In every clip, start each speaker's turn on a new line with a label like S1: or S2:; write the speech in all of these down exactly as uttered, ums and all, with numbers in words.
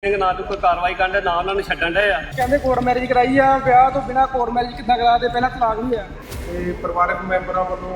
S1: ਨਾ तो कोई कार्रवाई करन ना उन्होंने छड्डन डे आ
S2: ਕਹਿੰਦੇ ਕੋਰਟ ਮੈਰਿਜ ਕਰਾਈ ਆ ਵਿਆਹ ਤੋਂ ਬਿਨਾ ਕੋਰਟ ਮੈਰਿਜ ਕਿੱਦਾਂ ਕਰਾ ਦੇ ਪਹਿਲਾਂ ਤਲਾਕ ਵੀ ਆ
S3: ਤੇ ਪਰਿਵਾਰਕ ਮੈਂਬਰਾਂ ਵੱਲੋਂ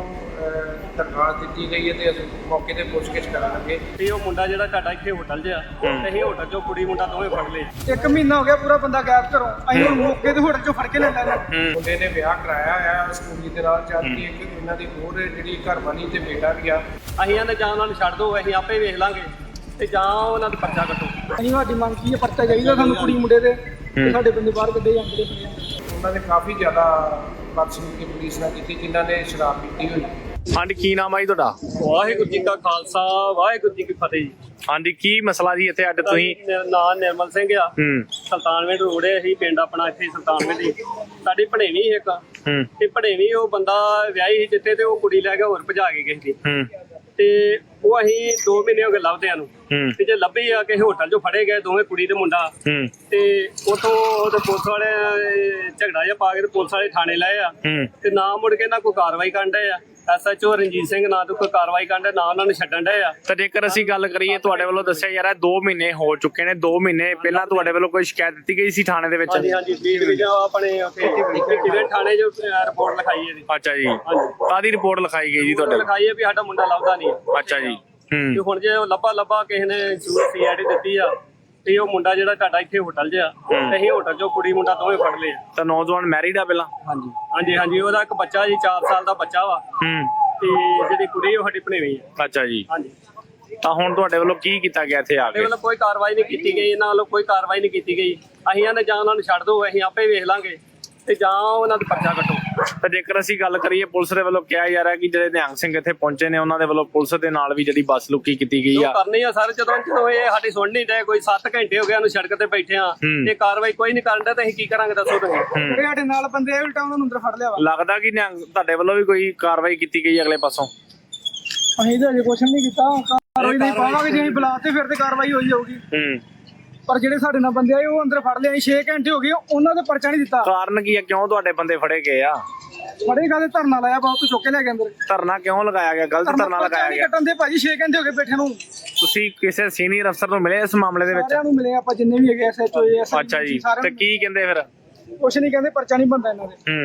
S3: ਦਰਖਾਸਤ ਦਿੱਤੀ ਗਈ ਹੈ ਤੇ ਅਸੀਂ ਮੌਕੇ ਤੇ ਪੁੱਛਗਿੱਛ ਕਰਾਂਗੇ।
S1: ਤੇ ਉਹ ਮੁੰਡਾ ਜਿਹੜਾ ਤੁਹਾਡਾ ਇੱਥੇ ਹੋਟਲ 'ਚ ਆ ਤੇ ਅਸੀਂ ਹੋਟਲ 'ਚੋਂ ਕੁੜੀ ਮੁੰਡਾ ਦੋਵੇਂ ਫੜ ਲਏ।
S2: ਇੱਕ ਮਹੀਨਾ ਹੋ ਗਿਆ ਪੂਰਾ ਬੰਦਾ ਗਾਇਬ ਘਰੋਂ ਅਸੀਂ ਹੁਣ ਮੌਕੇ ਤੇ ਹੋਟਲ 'ਚੋਂ ਫੜ ਕੇ ਲੈਂਦਾ ਇਹਨਾਂ
S3: ਮੁੰਡੇ ਨੇ ਵਿਆਹ ਕਰਾਇਆ ਆ ਸਕੂਲੀ ਦੇ ਨਾਲ ਜਦ ਕਿ ਇੱਕ ਇਹਨਾਂ ਦੀ ਹੋਰ ਜਿਹੜੀ ਘਰਵਾਲੀ ਤੇ ਬੇਟਾ ਵੀ ਆ।
S1: ਅਸੀਂ ਆਂਦੇ ਜਾਂ ਉਹਨਾਂ ਨੂੰ ਛੱਡ ਦਿਓ ਅਸੀਂ ਆਪੇ ਵੇਖ ਲਾਂਗੇ ਤੇ ਜਾਂ ਉਹਨਾਂ ਦਾ ਪਰਚਾ ਕੱਟੋ।
S2: ਅਸੀਂ ਸਾਡੀ ਮੰਗ ਕੀ ਹੈ ਪਰਚਾ ਚਾਹੀਦਾ ਸਾਨੂੰ ਕੁੜੀ ਮੁੰਡੇ ਦੇ ਤੇ ਸਾਡੇ ਬੰਦੇ ਬਾਹਰ ਕੱਢੇ ਜਾਂਦੇ ਨੇ।
S3: ਉਹਨਾਂ ਨੇ ਕਾਫੀ ਜ਼ਿਆਦਾ ਬਦਸਲੂਕੀ ਪੁਲਿਸ ਨਾਲ ਕੀਤੀ ਜਿਨ੍ਹਾਂ ਨੇ ਸ਼ਰਾਬ ਪੀਤੀ ਹੋਈ।
S4: ਹਾਂਜੀ ਕੀ ਨਾਮ ਆ ਜੀ ਤੁਹਾਡਾ?
S1: ਵਾਹਿਗੁਰੂ ਜੀ ਕਾ ਖਾਲਸਾ ਵਾਹਿਗੁਰੂ ਜੀ ਕੀ ਫਤਿਹ ਜੀ।
S4: ਹਾਂਜੀ ਕੀ ਮਸਲਾ ਜੀ ਇੱਥੇ ਅੱਡ ਤੁਸੀਂ?
S1: ਮੇਰਾ ਨਾਮ ਨਿਰਮਲ ਸਿੰਘ ਆ।
S4: ਹੂੰ
S1: ਸੁਲਤਾਨਵਿੰਡ ਰੋਡ ਹੈ ਅਸੀਂ ਪਿੰਡ ਆਪਣਾ ਇੱਥੇ ਸੁਲਤਾਨਵਿੰਡ ਦੀ ਸਾਡੀ ਭਣੇਵੀਂ ਇੱਕ
S4: ਹੂੰ
S1: ਤੇ ਭਣੇਵੀਂ ਉਹ ਬੰਦਾ ਵਿਆਹੀ ਸੀ ਜਿੱਥੇ ਤੇ ਉਹ ਕੁੜੀ ਲੈ ਕੇ ਹੋਰ ਭਜਾ ਕੇ ਗਈ ਸੀ
S4: ਹੂੰ
S1: ਤੇ ਉਹ ਅਸੀਂ ਦੋ ਮਹੀਨੇ ਹੋ ਗਏ ਲੱਭਦਿਆਂ ਨੂੰ
S4: ਹੂੰ
S1: ਤੇ ਜੇ ਲੱਭੀ ਆ ਕਿਸੇ ਹੋਟਲ 'ਚੋਂ ਫੜੇ ਗਏ ਦੋਵੇਂ ਕੁੜੀ ਤੇ ਮੁੰਡਾ
S4: ਹੂੰ
S1: ਤੇ ਉਥੋਂ ਉਹਦੇ ਪੁਲਿਸ ਵਾਲੇ ਝਗੜਾ ਜਿਹਾ ਪਾ ਕੇ ਤੇ ਪੁਲਿਸ ਵਾਲੇ ਥਾਣੇ ਲਏ ਆ
S4: ਹੂੰ
S1: ਤੇ ਨਾ ਮੁੜ ਕੇ ਨਾ ਕੋਈ ਕਾਰਵਾਈ ਕਰਨ ਡਏ ਆ। S H O Ranjit Singh ਨਾ ਤੋਂ ਕੋਈ ਕਾਰਵਾਈ ਕਰਨ ਡਏ ਨਾ ਉਹਨਾਂ ਨੂੰ ਛੱਡਣ ਡਏ ਆ।
S4: ਤਾਂ ਜੇਕਰ ਅਸੀਂ ਗੱਲ ਕਰੀਏ ਤੁਹਾਡੇ ਵੱਲੋਂ ਦੱਸਿਆ ਜਾ ਰਿਹਾ ਦੋ ਮਹੀਨੇ ਹੋ ਚੁੱਕੇ ਨੇ, ਦੋ ਮਹੀਨੇ ਪਹਿਲਾਂ ਤੁਹਾਡੇ ਵੱਲੋਂ ਕੋਈ ਸ਼ਿਕਾਇਤ ਦਿੱਤੀ ਗਈ ਸੀ ਥਾਣੇ ਦੇ ਵਿੱਚ?
S1: ਹਾਂਜੀ ਹਾਂਜੀ ਵੀਹ ਡਿਵੀਜ਼ਨ ਆਪਣੇ ਉੱਥੇ ਡਿਵੀਜ਼ਨ ਥਾਣੇ 'ਚ ਰਿਪੋਰਟ ਲਿਖਾਈ ਹੈ ਜੀ।
S4: ਅੱਛਾ ਜੀ,
S1: ਹਾਂਜੀ
S4: ਕਾਹਦੀ ਰਿਪੋਰਟ ਲਿਖਾਈ ਗਈ ਜੀ ਤੁਹਾਡੇ?
S1: ਲਿਖਾਈ ਹੈ ਵੀ ਸਾਡਾ ਮੁੰਡਾ ਲੱਭਦਾ ਨਹੀਂ।
S4: ਅੱਛਾ ਜੀ।
S1: ਤੇ
S4: ਹੂੰ
S1: ਹੁਣ ਜੇ ਉਹ ਲੱਭਾ ਲੱਭਾ ਕਿਸੇ ਨੇ ਜ਼ਰੂਰ ਸੀ ਆਈ ਡੀ ਦਿੱਤੀ ਆ ਤੇ ਉਹ ਮੁੰਡਾ ਜਿਹੜਾ ਤੁਹਾਡਾ ਇੱਥੇ ਹੋਟਲ 'ਚ ਆ ਤੇ ਅਸੀਂ ਹੋਟਲ 'ਚੋਂ ਕੁੜੀ ਮੁੰਡਾ ਦੋਵੇਂ ਫੜ ਲਏ ਆ।
S4: ਤਾਂ ਨੌਜਵਾਨ ਮੈਰਿਡ ਆ ਪਹਿਲਾਂ?
S1: ਹਾਂਜੀ ਹਾਂਜੀ ਹਾਂਜੀ ਉਹਦਾ ਇੱਕ ਬੱਚਾ ਜੀ ਚਾਰ ਸਾਲ ਦਾ ਬੱਚਾ ਵਾ
S4: ਹੂੰ
S1: ਤੇ ਜਿਹੜੀ ਕੁੜੀ ਉਹ ਸਾਡੀ ਭਣੇਵੀਂ ਆ।
S4: ਅੱਛਾ ਜੀ।
S1: ਹਾਂਜੀ
S4: ਤਾਂ ਹੁਣ ਤੁਹਾਡੇ ਵੱਲੋਂ ਕੀ ਕੀਤਾ ਗਿਆ ਇੱਥੇ ਆ
S1: ਸਾਡੇ
S4: ਕੇ?
S1: ਵੱਲੋਂ ਕੋਈ ਕਾਰਵਾਈ ਨਹੀਂ ਕੀਤੀ ਗਈ, ਇਹਨਾਂ ਵੱਲੋਂ ਕੋਈ ਕਾਰਵਾਈ ਨਹੀਂ ਕੀਤੀ ਗਈ। ਅਸੀਂ ਆਂਦੇ ਜਾਂ ਉਹਨਾਂ ਨੂੰ ਛੱਡ ਦਿਓ ਅਸੀਂ ਆਪੇ ਵੇਖ ਲਾਂਗੇ ਤੇ ਜਾਂ ਉਹਨਾਂ ਦਾ ਪਰਚਾ ਕੱਟੋ।
S4: ਤਾਂ ਜੇਕਰ ਅਸੀਂ ਗੱਲ ਕਰੀਏ ਪੁਲਿਸ ਦੇ ਵੱਲੋਂ ਕਿਹਾ ਜਾ ਰਿਹਾ ਕਿ ਜਿਹੜੇ ਨਿਹੰਗ ਸਿੰਘ ਇੱਥੇ ਪਹੁੰਚੇ ਨੇ ਉਹਨਾਂ ਦੇ ਵੱਲੋਂ ਪੁਲਿਸ ਦੇ ਨਾਲ ਵੀ ਜਿਹੜੀ ਬੱਸ ਲੁਕੀ ਕੀਤੀ ਗਈ
S1: ਜੋ
S4: ਆ।
S1: ਕਰਨੀ ਆ ਸਰ ਜਦੋਂ ਜਦੋਂ ਇਹ ਸਾਡੀ ਸੁਣ ਨਹੀਂ ਡਏ ਕੋਈ ਸੱਤ ਘੰਟੇ ਹੋ ਗਏ ਉਹਨੂੰ ਸੜਕ ਤੇ ਬੈਠੇ ਆ
S4: ਹੂੰ।
S1: ਤੇ ਕਾਰਵਾਈ ਕੋਈ ਨਹੀਂ ਕਰਨ ਡਿਆ ਤੇ ਅਸੀਂ ਕੀ ਕਰਾਂਗੇ ਦੱਸੋ ਤੁਸੀਂ?
S4: ਹੂੰ
S2: ਜਿਹੜੇ ਸਾਡੇ ਨਾਲ ਬੰਦੇ ਆ ਉਲਟਾ ਉਹਨਾਂ ਨੂੰ ਅੰਦਰ ਫੜ ਲਿਆ ਵਾ।
S4: ਲੱਗਦਾ ਕਿ ਨਿਹੰਗ ਤੁਹਾਡੇ ਵੱਲੋਂ ਵੀ ਕੋਈ ਕਾਰਵਾਈ ਕੀਤੀ ਗਈ ਅਗਲੇ ਪਾਸੋਂ?
S2: ਅਸੀਂ ਤਾਂ ਅਜੇ ਕੁਛ ਨਹੀਂ ਕੀਤਾ ਕਾਰਵਾਈ ਨਹੀਂ ਪਾਵਾਂਗੇ ਜੇ ਅਸੀਂ ਬੁਲਾਤੇ ਫਿਰ ਤੇ ਕਾਰਵਾਈ ਹੋਈ ਜਾਊਗੀ।
S4: ਹੂੰ
S2: ਪਰ ਜਿਹੜੇ ਸਾਡੇ ਨਾਲ ਬੰਦੇ ਆਏ ਉਹ ਅੰਦਰ ਫੜ ਲਿਆ। ਅਸੀਂ ਛੇ ਘੰਟੇ ਹੋ ਗਏ ਉਹਨਾਂ ਦਾ ਪਰਚਾ ਨਹੀਂ ਦਿੱਤਾ।
S4: ਕਾਰਨ ਕੀ ਆ, ਕਿਉਂ ਤੁਹਾਡੇ ਬੰਦੇ ਫੜੇ ਗਏ ਆ?
S2: ਫੜੇ ਕਾਹਦੇ ਧਰਨਾ ਲਾਇਆ ਬਹੁਤ ਚੁੱਕ ਕੇ ਲੈ ਕੇ ਅੰਦਰ।
S4: ਧਰਨਾ ਕਿਉਂ ਲਗਾਇਆ ਗਿਆ? ਗਲਤ ਧਰਨਾ ਲਗਾਇਆ ਗਿਆ।
S2: ਕੱਟਣ ਦੇ ਭਾਜੀ ਛੇ ਘੰਟੇ ਹੋ ਗਏ ਬੈਠੇ ਨੂੰ।
S4: ਤੁਸੀਂ ਕਿਸੇ ਸੀਨੀਅਰ ਅਫਸਰ ਨੂੰ ਮਿਲੇ ਇਸ ਮਾਮਲੇ ਦੇ ਵਿੱਚ?
S2: ਸਾਰਿਆਂ ਨੂੰ ਮਿਲੇ ਆਪਾਂ ਜਿੰਨੇ ਵੀ ਹੈਗੇ ਐਸ ਐਚ ਓ ਐਸ
S4: ਅੱਛਾ ਜੀ, ਤੇ ਕੀ ਕਹਿੰਦੇ ਫਿਰ?
S2: ਕੁਛ ਨਹੀਂ ਕਹਿੰਦੇ ਪਰਚਾ ਨਹੀਂ ਬਣਦਾ ਇਹਨਾਂ ਦੇ।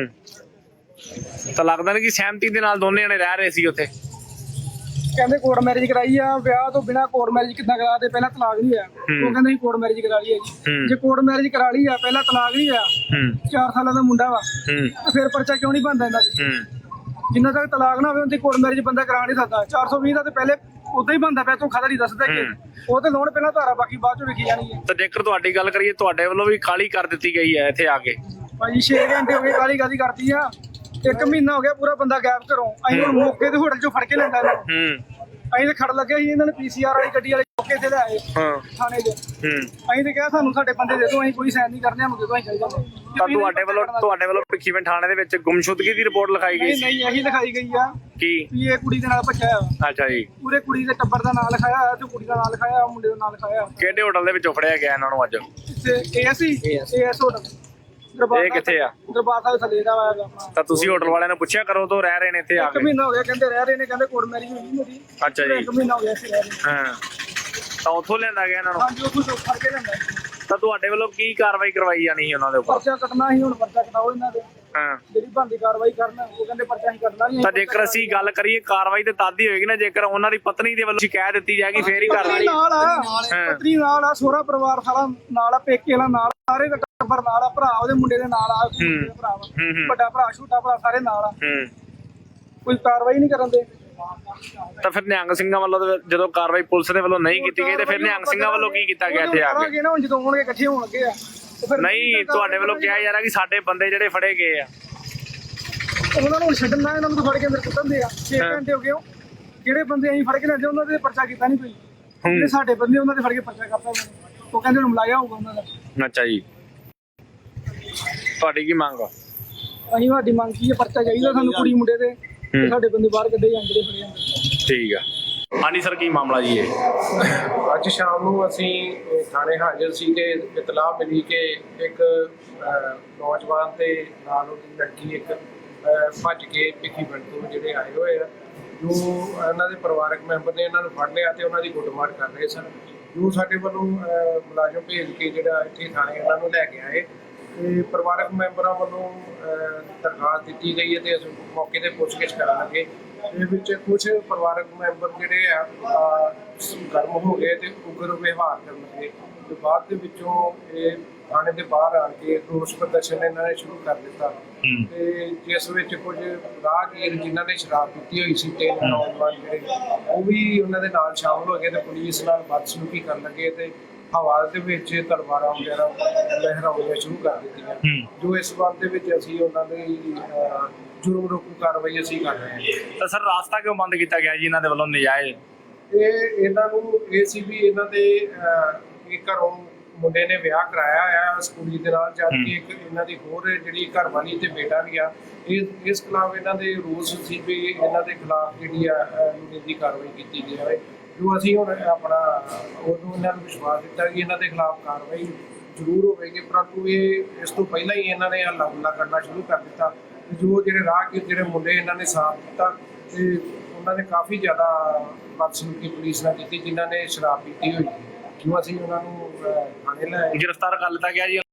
S4: ਹੂੰ ਤਾਂ ਲੱਗਦਾ ਨਹੀਂ ਕਿ ਸਹਿਮਤੀ ਦੇ ਨਾਲ ਦੋਨੇ ਜਣੇ ਰਹਿ ਰਹੇ ਸੀ ਉੱਥੇ?
S2: ਕਹਿੰਦੇ ਕੋਰਟ ਮੈਰਿਜ ਕਰਾਈ ਆ ਵਿਆਹ ਤੋਂ ਬਿਨਾ ਕੋਰਟ ਮੈਰਿਜ ਕਿੱਦਾਂ ਕਰਾ ਦੇ ਪਹਿਲਾਂ ਤਲਾਕ ਨਹੀਂ ਹੋਇਆ। ਉਹ ਕਹਿੰਦੇ ਸੀ ਕੋਰਟ ਮੈਰਿਜ ਕਰਾ ਲਈ ਆ ਜੀ। ਜੇ ਕੋਰਟ ਮੈਰਿਜ ਕਰਾ ਲਈ ਆ ਪਹਿਲਾਂ ਤਲਾਕ ਨਹੀਂ ਹੋਇਆ
S4: ਹੂੰ
S2: ਚਾਰ ਸਾਲਾਂ ਦਾ ਮੁੰਡਾ ਵਾ
S4: ਹੂੰ
S2: ਤੇ ਫਿਰ ਪਰਚਾ ਕਿਉਂ ਨਹੀਂ ਬਣਦਾ ਇਹਨਾਂ ਦੇ?
S4: ਹੂੰ
S2: ਜਿੰਨਾ ਤੱਕ ਤਲਾਕ ਨਾ ਹੋਵੇ ਉਹਦੀ ਕੋਰਟ ਮੈਰਿਜ ਬੰਦਾ ਕਰਾ ਨਹੀਂ ਸਕਦਾ। ਚਾਰ ਸੌ ਵੀਹ ਦਾ ਤੇ ਪਹਿਲੇ ਉਦਾਂ ਹੀ ਬਣਦਾ ਪਿਆ। ਤੂੰ ਖਦਾ ਨਹੀਂ ਦੱਸਦਾ ਕਿ ਉਹ ਤੇ ਲੋਨ ਪਹਿਲਾਂ ਧਾਰਾ ਬਾਕੀ ਬਾਅਦ ਚੋਂ ਲਿਖੀ ਜਾਣੀ ਹੈ।
S4: ਤਾਂ ਜੇਕਰ ਤੁਹਾਡੀ ਗੱਲ ਕਰੀਏ ਤੁਹਾਡੇ ਵੱਲੋਂ ਵੀ ਕਾਹਲੀ ਕਰ ਦਿੱਤੀ ਗਈ ਹੈ ਇੱਥੇ ਆ ਕੇ?
S2: ਭਾਜੀ ਛੇ ਘੰਟੇ ਹੋ ਗਏ ਕਾਲੀ ਕਾਲੀ ਕਰਦੀ ਆ। ਇੱਕ ਮਹੀਨਾ ਹੋ ਗਿਆ ਪੂਰਾ ਬੰਦਾ ਗਾਇਬ ਘਰੋਂ। ਅਸੀਂ ਹੁਣ ਮੌਕੇ ਤੇ ਹੋਟਲ 'ਚੋਂ ਫੜ ਕੇ ਲੈਂਦਾ ਇਹਨਾਂ ਨੂੰ।
S4: ਹੂੰ
S2: ਅਸੀਂ ਤੇ ਖੜ ਲੱਗੇ ਸੀ ਇਹਨਾਂ ਨੇ ਪੀ ਸੀ ਆਰ ਵਾਲੀ ਗੱਡੀ ਵਾਲੇ ਮੌਕੇ ਤੇ ਲਿਆਏ
S4: ਹਾਂ
S2: ਥਾਣੇ 'ਚ।
S4: ਹੂੰ
S2: ਅਸੀਂ ਤੇ ਕਿਹਾ ਸਾਨੂੰ ਸਾਡੇ ਬੰਦੇ ਦੇ ਦਿਓ ਅਸੀਂ ਕੋਈ ਸਾਈਨ ਨਹੀਂ ਕਰਨੇ ਸਾਨੂੰ ਦੇ ਦਿਓ ਅਸੀਂ ਚੱਲ ਜਾਂਦੇ।
S4: ਤਾਂ ਤੁਹਾਡੇ ਵੱਲੋਂ ਤੁਹਾਡੇ ਵੱਲੋਂ ਭਿੱਖੀਵਿੰਡ ਥਾਣੇ ਦੇ ਵਿੱਚ ਗੁੰਮਸ਼ੁਦਗੀ ਦੀ ਰਿਪੋਰਟ ਲਿਖਾਈ ਗਈ
S2: ਨਹੀਂ
S4: ਸੀ?
S2: ਨਹੀਂ ਇਹੀ ਲਿਖਾਈ ਗਈ ਆ
S4: ਕੀ?
S2: ਵੀ ਇਹ ਕੁੜੀ ਦੇ ਨਾਲ ਭੱਜਿਆ ਆ।
S4: ਅੱਛਾ ਜੀ।
S2: ਪੂਰੇ ਕੁੜੀ ਦੇ ਟੱਬਰ ਦਾ ਨਾਂ ਲਿਖਾਇਆ ਹੋਇਆ ਤੇ ਕੁੜੀ ਦਾ ਨਾਂ ਲਿਖਾਇਆ ਹੋਇਆ, ਮੁੰਡੇ ਦਾ ਨਾਂ ਲਿਖਾਇਆ ਹੋਇਆ।
S4: ਕਿਹੜੇ ਹੋਟਲ ਦੇ ਵਿੱਚੋਂ ਫੜਿਆ ਗਿਆ ਇਹਨਾਂ ਨੂੰ ਅੱਜ?
S2: ਇੱਥੇ ਏਐਸਸੀ ਏਐਸ ਹੋਟਲ ਦਰਬਾਰ
S4: ਇਹ ਕਿੱਥੇ ਆ?
S2: ਦਰਬਾਰ ਸਾਹਿਬ ਥੱਲੇ ਦਾ ਵਾ ਆਪਣਾ।
S4: ਤਾਂ ਤੁਸੀਂ ਹੋਟਲ ਵਾਲਿਆਂ ਨੂੰ ਪੁੱਛਿਆ ਕਰੋ ਤੋਂ ਰਹਿ ਰਹੇ ਨੇ ਇੱਥੇ ਆ
S2: ਇੱਕ
S4: ਕੇ?
S2: ਮਹੀਨਾ ਹੋ ਗਿਆ ਕਹਿੰਦੇ ਰਹਿ ਰਹੇ ਨੇ। ਕਹਿੰਦੇ ਕੋਰਟ ਮੈਰਿਜ ਹੋਈ ਮੇਰੀ।
S4: ਅੱਛਾ ਜੀ।
S2: ਇੱਕ ਮਹੀਨਾ ਹੋ ਗਿਆ ਇੱਥੇ ਰਹਿ ਰਹੇ।
S4: ਹਾਂ ਤਾਂ ਉੱਥੋਂ ਲਿਆਂਦਾ ਗਿਆ ਇਹਨਾਂ ਨੂੰ?
S2: ਹਾਂਜੀ ਉੱਥੋਂ ਤੋਂ ਫੜ ਕੇ ਲੈਂਦਾ।
S4: ਤਾਂ ਤੁਹਾਡੇ ਵੱਲੋਂ ਕੀ ਕਾਰਵਾਈ ਕਰਵਾਈ ਜਾਣੀ ਸੀ ਉਹਨਾਂ ਦੇ ਉੱਪਰ?
S2: ਪਰਚਾ ਕੱਟਣਾ ਸੀ ਹੁਣ ਪਰਚਾ ਕਟਾਓ ਇਹਨਾਂ ਦੇ
S4: ਹਾਂ
S2: ਜਿਹੜੀ ਬਣਦੀ ਕਾਰਵਾਈ ਕਰਨਾ। ਉਹ ਕਹਿੰਦੇ ਪਰਚਾ ਹੀ ਕੱਟਣਾ ਨਹੀਂ।
S4: ਤਾਂ ਜੇਕਰ ਅਸੀਂ ਗੱਲ ਕਰੀਏ ਕਾਰਵਾਈ ਤੇ ਤਦ ਹੀ ਹੋਏਗੀ ਨਾ ਜੇਕਰ ਉਹਨਾਂ ਦੀ ਪਤਨੀ ਦੇ ਵੱਲੋਂ ਸ਼ਿਕਾਇਤ ਦਿੱਤੀ ਜਾਏਗੀ ਫੇਰ ਹੀ
S2: ਪਤਨੀ
S4: ਕਾਰਵਾਈ।
S2: ਨਾਲ ਆ ਪਤਨੀ ਨਾਲ ਆ ਸਹੁਰਾ ਪਰਿਵਾਰ ਸਾਰਾ ਨਾਲ ਆ ਪੇਕੇ ਵਾਲਾ ਨਾਲ ਸਾਰੇ ਦਾ ਟੱਬਰ ਨਾਲ ਆ ਭਰਾ ਉਹਦੇ ਮੁੰਡੇ ਦੇ ਨਾਲ ਆ ਭਰਾ ਵਾ
S4: ਹੂੰ ਹੂੰ
S2: ਵੱਡਾ ਭਰਾ ਛੋਟਾ ਭਰਾ ਸਾਰੇ ਨਾਲ ਆ।
S4: ਹੂੰ
S2: ਕੋਈ ਕਾਰਵਾਈ ਨਹੀਂ ਕਰਨ ਦੇ।
S4: ਤਾਂ ਫਿਰ ਨਿਹੰਗ ਸਿੰਘਾਂ ਵੱਲੋਂ ਤਾਂ ਜਦੋਂ ਕਾਰਵਾਈ ਪੁਲਿਸ ਦੇ ਵੱਲੋਂ ਨਹੀਂ ਕੀਤੀ ਗਈ ਤੇ ਫਿਰ ਨਿਹੰਗ ਸਿੰਘਾਂ ਵੱਲੋਂ ਕੀ ਕੀਤਾ ਗਿਆ ਇੱਥੇ ਆ ਕੇ?
S2: ਕਰਾਂਗੇ ਨਾ ਹੁਣ ਜਦੋਂ ਹੋਣਗੇ ਇਕੱਠੇ ਹੋਣ ਲੱਗੇ ਆ ਤੇ ਫਿਰ
S4: ਨਹੀਂ ਤੁਹਾਡੇ ਵੱਲੋਂ ਕਿਹਾ ਜਾ ਰਿਹਾ ਕਿ ਸਾਡੇ ਬੰਦੇ ਜਿਹੜੇ ਫੜੇ ਗਏ ਆ।
S2: ਉਹਨਾਂ ਨੂੰ ਛੱਡਣ ਨਾ ਇਹਨਾਂ ਨੂੰ ਫੜ ਕੇ ਅੰਦਰ ਕੁੱਟਣ ਦੇ ਆ। ਛੇ ਘੰਟੇ ਹੋ ਗਏ ਉਹ ਜਿਹੜੇ ਬੰਦੇ ਅਸੀਂ ਫੜ ਕੇ ਲੈਂਦੇ ਉਹਨਾਂ ਦੇ ਪਰਚਾ ਕੀਤਾ ਨਹੀਂ ਕੋਈ। ਜਿਹੜੇ ਸਾਡੇ ਬੰਦੇ ਉਹਨਾਂ ਦੇ ਫੜ ਕੇ ਪਰਚਾ ਕਰਤਾ ਉਹਨਾਂ ਨੇ। ਉਹ ਕਹਿੰਦੇ ਹੁਣ ਮਲਾਇਆ ਹੋਊਗਾ ਉਹਨਾਂ ਦਾ।
S4: ਅੱਛਾ ਜੀ। ਤੁਹਾਡੀ ਕੀ ਮੰਗ ਆ?
S2: ਅਸੀਂ ਸਾਡੀ ਮੰਗ ਕੀ ਹੈ ਪਰਚਾ ਚਾਹੀਦਾ ਸਾਨੂੰ ਕੁੜੀ ਮੁੰਡੇ ਦੇ ਤੇ ਸਾਡੇ ਬੰਦੇ ਬਾਹਰ ਕੱਢੇ ਜਾਂਦੇ ਜਿਹੜੇ ਫੜੇ ਜਾਂਦੇ।
S4: ਠੀਕ ਆ। ਹਾਂਜੀ ਸਰ ਕੀ ਮਾਮਲਾ ਜੀ ਇਹ?
S3: ਅੱਜ ਸ਼ਾਮ ਨੂੰ ਅਸੀਂ ਥਾਣੇ ਹਾਜ਼ਰ ਸੀ ਤੇ ਇਤਲਾਹ ਮਿਲੀ ਕਿ ਇੱਕ ਨੌਜਵਾਨ ਤੇ ਨਾਲ ਉਹਦੀ ਲੜਕੀ ਇੱਕ ਭੱਜ ਕੇ ਭਿੱਖੀਵਿੰਡ ਤੋਂ ਜਿਹੜੇ ਆਏ ਹੋਏ ਆ ਨੂੰ ਇਹਨਾਂ ਦੇ ਪਰਿਵਾਰਕ ਮੈਂਬਰ ਨੇ ਇਹਨਾਂ ਨੂੰ ਫੜ ਲਿਆ ਤੇ ਉਹਨਾਂ ਦੀ ਗੁੱਟਮਾਰ ਕਰ ਰਹੇ ਸਨ। ਜੋ ਸਾਡੇ ਵੱਲੋਂ ਅਹ, ਮੁਲਾਜ਼ਮ ਭੇਜ ਕੇ ਜਿਹੜਾ ਇੱਥੇ ਥਾਣੇ ਇਹਨਾਂ ਨੂੰ ਲੈ ਕੇ ਆਏ ਤੇ ਪਰਿਵਾਰਕ ਮੈਂਬਰਾਂ ਵੱਲੋਂ ਅਹ, ਦਰਖਾਸਤ ਦਿੱਤੀ ਗਈ ਹੈ ਤੇ ਅਸੀਂ ਮੌਕੇ ਤੇ ਪੁੱਛਗਿੱਛ ਕਰਨ ਲੱਗੇ। ਇਹ ਵਿੱਚ ਕੁਝ ਪਰਿਵਾਰਕ ਮੈਂਬਰ ਜਿਹੜੇ ਆ ਅਹ, ਗਰਮ ਹੋ ਗਏ ਤੇ ਉਗਰ ਵਿਵਹਾਰ ਕਰਨ ਲੱਗੇ ਤੇ ਬਾਅਦ ਦੇ ਵਿੱਚੋਂ ਇਹ ਥਾਣੇ ਦੇ ਬਾਹਰ ਆਣ ਕੇ ਰੋਸ ਪ੍ਰਦਰਸ਼ਨ ਇਹਨਾਂ ਨੇ ਸ਼ੁਰੂ ਕਰ ਦਿੱਤਾ ਤੇ ਜਿਸ ਵਿੱਚ ਕੁਝ ਰਾਹਗੀਰ ਜਿਨ੍ਹਾਂ ਨੇ ਸ਼ਰਾਬ ਪੀਤੀ ਹੋਈ ਸੀ ਤੇ ਨੌਜਵਾਨ ਜਿਹੜੇ ਉਹ ਵੀ ਉਹਨਾਂ ਦੇ ਨਾਲ ਸ਼ਾਮਲ ਹੋ ਗਏ ਤੇ ਪੁਲਿਸ ਨਾਲ ਬਦਸਲੂਕੀ ਕਰਨ ਲੱਗੇ ਤੇ ਹਵਾ ਦੇ ਵਿੱਚ ਤਲਵਾਰਾਂ ਵਗੈਰਾ ਲਹਿਰਾਉਣੀਆਂ ਸ਼ੁਰੂ ਕਰ ਦਿੱਤੀਆਂ, ਜੋ ਇਸ ਬਾਤ ਦੇ ਵਿੱਚ ਅਸੀਂ ਉਹਨਾਂ ਦੀ ਅਹ, ਜੁਰਮ ਰੋਕੂ ਕਾਰਵਾਈ ਅਸੀਂ ਕਰ ਰਹੇ ਹਾਂ।
S4: ਤਾਂ ਸਰ ਰਾਸਤਾ ਕਿਉਂ ਬੰਦ ਕੀਤਾ ਗਿਆ ਜੀ ਇਹਨਾਂ ਦੇ ਵੱਲੋਂ ਨਜਾਇਜ਼?
S3: ਇਹ ਇਹਨਾਂ ਨੂੰ ਇਹ ਸੀ ਵੀ ਇਹਨਾਂ ਦੇ ਅਹ, ਇਹ ਘਰੋਂ ਮੁੰਡੇ ਨੇ ਵਿਆਹ ਕਰਾਇਆ ਆ ਇਸ ਕੁੜੀ ਦੇ ਨਾਲ, ਜਦ ਕਿ ਇੱਕ ਇਹਨਾਂ ਦੀ ਹੋਰ ਜਿਹੜੀ ਘਰ ਵਾਲੀ ਤੇ ਬੇਟਾ ਵੀ ਆ। ਇਹ ਇਸ ਖਿਲਾਫ ਇਹਨਾਂ ਦੇ ਰੂਲਸ ਸੀ ਵੀ ਇਹਨਾਂ ਦੇ ਖਿਲਾਫ ਜਿਹੜੀ ਆ ਨਿੱਜੀ ਕਾਰਵਾਈ ਕੀਤੀ ਜਾਵੇ, ਜੋ ਅਸੀਂ ਹੁਣ ਆਪਣਾ ਉਦੋਂ ਇਹਨਾਂ ਨੂੰ ਵਿਸ਼ਵਾਸ ਦਿੱਤਾ ਕਿ ਇਹਨਾਂ ਦੇ ਖਿਲਾਫ ਕਾਰਵਾਈ ਜ਼ਰੂਰ ਹੋਵੇਗੀ, ਪਰੰਤੂ ਇਹ ਇਸ ਤੋਂ ਪਹਿਲਾਂ ਹੀ ਇਹਨਾਂ ਨੇ ਹੱਲਾ ਗੁੱਲਾ ਕਰਨਾ ਸ਼ੁਰੂ ਕਰ ਦਿੱਤਾ। ਜੋ ਜਿਹੜੇ ਰਾਹਗੀਰ ਜਿਹੜੇ ਮੁੰਡੇ ਇਹਨਾਂ ਨੇ ਸਾਥ ਦਿੱਤਾ ਤੇ ਉਹਨਾਂ ਨੇ ਕਾਫੀ ਜ਼ਿਆਦਾ ਬਦਸਲੂਕੀ ਪੁਲਿਸ ਨਾਲ ਕੀਤੀ, ਜਿਨ੍ਹਾਂ ਨੇ ਸ਼ਰਾਬ ਪੀਤੀ ਹੋਈ ਸੀ, ਜੋ ਅਸੀਂ ਉਹਨਾਂ ਨੂੰ ਅਹ, ਥਾਣੇ ਲੈ ਆਏ।
S4: ਗ੍ਰਿਫਤਾਰ ਕਰ ਲਿੱਤਾ ਗਿਆ ਜੀ?